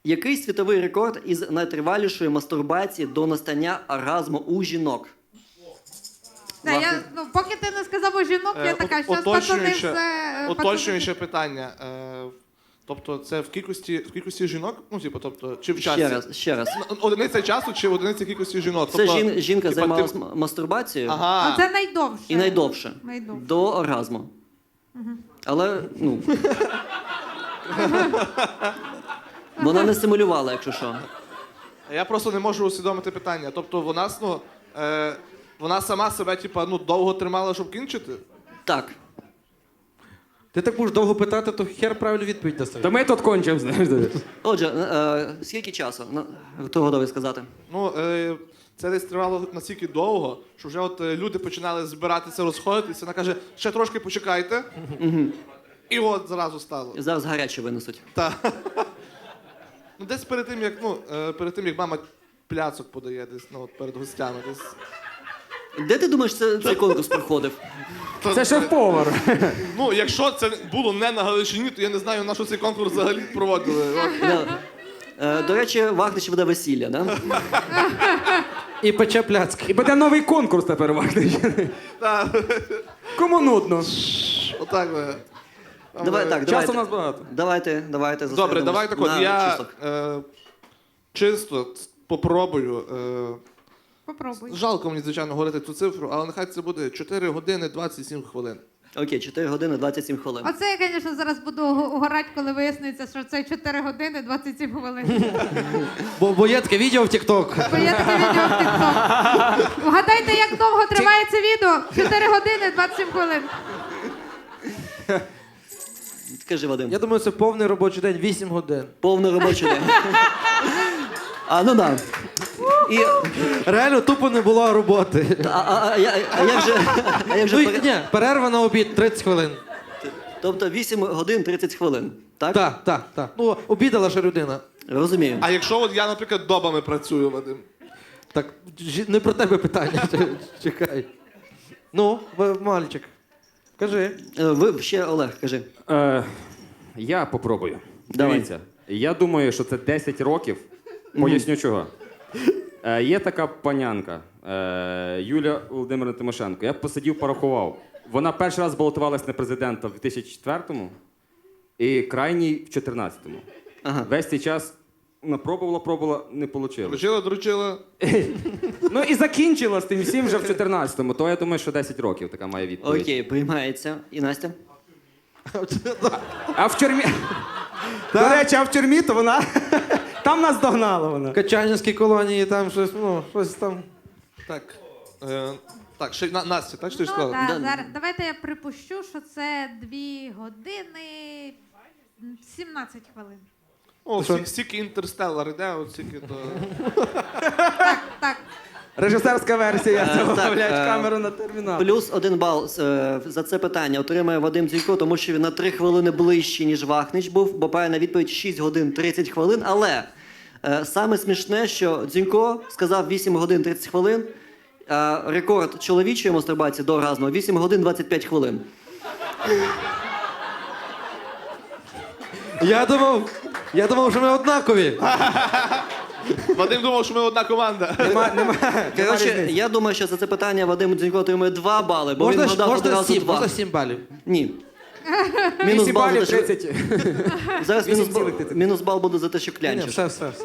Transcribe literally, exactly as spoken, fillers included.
Який світовий рекорд із найтривалішої мастурбації до настання оргазму у жінок? Да, я, ну, поки ти не сказав у жінок, я Е, така, от- що пацани уточнююче- все... Уточнююче питання. Е, тобто це в кількості, в кількості жінок? Ну, типу, тобто, чи в часі? Ще раз, ще раз. Н- Одиниця часу чи одиниця кількості жінок? Це Тобто, жін, жінка типа, займалась ти- м- мастурбацією Ага. А це найдовше. і найдовше. Найдовше. До оргазму. Але, ну. Вона не симулювала, якщо що. Я просто не можу усвідомити питання. Тобто вона, ну, е, вона сама себе, типа, ну, довго тримала, щоб кінчити? Так. Ти так будеш довго питати, то хер правильну відповідь даси. Та ми тут кончимо, знаєш. Отже, е, скільки часу? На- Хто готовий сказати? Ну, е, це десь тривало настільки довго, що вже от е, люди починали збиратися, розходитися. Вона каже, ще трошки почекайте. І от зразу стало. Зараз гаряче винесуть. Та. Ну, десь перед тим, як, ну, е, перед тим, як мама пляцок подає, десь, ну, от перед гостями. Десь. Де ти думаєш, це, цей конкурс проходив? Це шеф-повар. Ну, якщо це було не на Галичині, то я не знаю, на що цей конкурс взагалі проводили. От. Да. Е, До речі, Вахнич веде весілля, да? І пече пляцки. І буде новий конкурс тепер, Вахнич. Та. Кому нудно? Отак. е. Там, Давай е, так, Часу давайте. у нас багато. Давайте, давайте Добре, зосередимось давай так от. на Я числах. е, чисто попробую. Е, Попробуй. жалко мені, звичайно, говорити цю цифру, але нехай це буде чотири години двадцять сім хвилин. Окей, чотири години двадцять сім хвилин. Оце я, звісно, зараз буду угорати, коли виясниться, що це чотири години двадцять сім хвилин. Бо, бо є таке відео в TikTok. Бо є таке відео в TikTok. Вгадайте, як довго триває це відео? чотири години двадцять сім хвилин. Скажи, Вадим. Я думаю, це повний робочий день, вісім годин. Повний робочий день. А, ну да. І, Реально тупо не було роботи. а, а, а, я- а як же... А як же Ну, і- пере- ні, перерва на обід тридцять хвилин. Тобто вісім годин тридцять хвилин, так? Так, так, так. Ну, обідала ще людина. Розумію. А якщо от я, наприклад, добами працюю, Вадим? Так, жі- не про тебе питання. Чекай. Ну, в- мальчик, кажи. Е, Ви ще, Олег, кажи. Е, я попробую. Давай. Дивіться, я думаю, що це десять років. Поясню чого. Е, є така панянка е, Юлія Володимирівна Тимошенко. Я б посидів, порахував. Вона перший раз балотувалась на президента в дві тисячі четвертому і крайній в чотирнадцятому. Ага. Весь цей час вона пробувала, пробувала, не вийшло. Дручила, дручила. Ну і закінчила з тим всім вже в чотирнадцятому, то я думаю, що десять років така має відповідь. Окей, приймається. І Настя? А в тюрмі. До речі, а в тюрмі то вона. Там нас догнала вона. В Качанівській колонії там щось, ну, щось там. Так. Е, так, ще на, Настя, так що ти ж Ну, сказала? да, Да. зараз, давайте я припущу, що це дві години сімнадцять хвилин. О, що? стільки, стільки інтерстеллар іде, от стільки то. Так, так. Режисерська версія Е, цього, так, блядь, е, камеру на термінал. Плюс один бал е, за це питання отримає Вадим Дзюнько, тому що він на три хвилини ближче, ніж Вахнич був, бо правильна відповідь шість годин тридцять хвилин. Але е, саме смішне, що Дзюнько сказав вісім годин тридцять хвилин, а рекорд чоловічої мастурбації до оргазму вісім годин двадцять п'ять хвилин. Я думав, я думав, що ми однакові. Вадим думав, що ми одна команда. Нема, нема, нема Коротше, різниці. я думаю, що за це питання Вадим Дзюнько отримує два бали, бо Можна, він ж- вгадав можна одразу сім, два. можна сім балів. Ні. Мінус вісім бал, за балів те, що... тридцять. Зараз мінус, вісім бал- цілих тридцять. мінус бал буде за те, що Ні, ні, клянчиш. все, все. все.